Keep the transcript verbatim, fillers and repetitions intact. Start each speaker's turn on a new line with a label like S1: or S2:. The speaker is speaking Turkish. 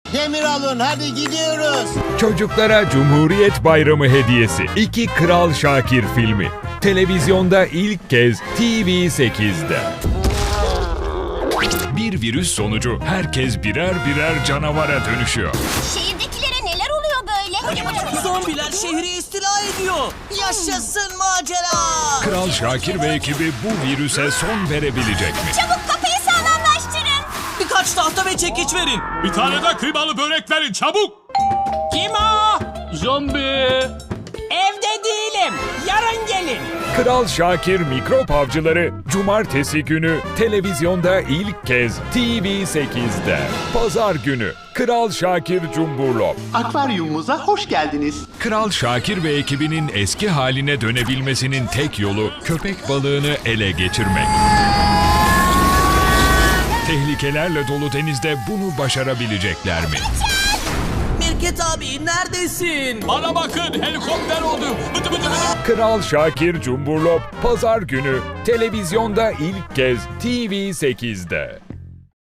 S1: Demir alın, hadi gidiyoruz.
S2: Çocuklara Cumhuriyet Bayramı hediyesi. İki Kral Şakir filmi. Televizyonda ilk kez T V sekizde. Bir virüs sonucu herkes birer birer canavara dönüşüyor.
S3: Şehirdekilere neler oluyor böyle?
S4: Zombiler şehri istila ediyor. Yaşasın macera.
S2: Kral Şakir ve ekibi bu virüse son verebilecek mi?
S3: Çabuk kapıyı sağlamlaştırın.
S4: Birkaç tahta ve çekiç verin.
S5: Bir tane de kıymalı börek verin çabuk.
S6: Kim o? Zombi. Evde değilim. Yarın gelin.
S2: Kral Şakir Mikrop Avcıları Cumartesi günü televizyonda ilk kez T V sekizde. Pazar günü Kral Şakir Cumburlop.
S7: Akvaryumumuza hoş geldiniz.
S2: Kral Şakir ve ekibinin eski haline dönebilmesinin tek yolu köpek balığını ele geçirmek. Tehlikelerle dolu denizde bunu başarabilecekler mi?
S4: Mirket abi neredesin?
S5: Bana bakın, helikopter oldu. Bıdı bıdı bıdı.
S2: Kral Şakir Cumburlop Pazar günü televizyonda ilk kez T V sekizde.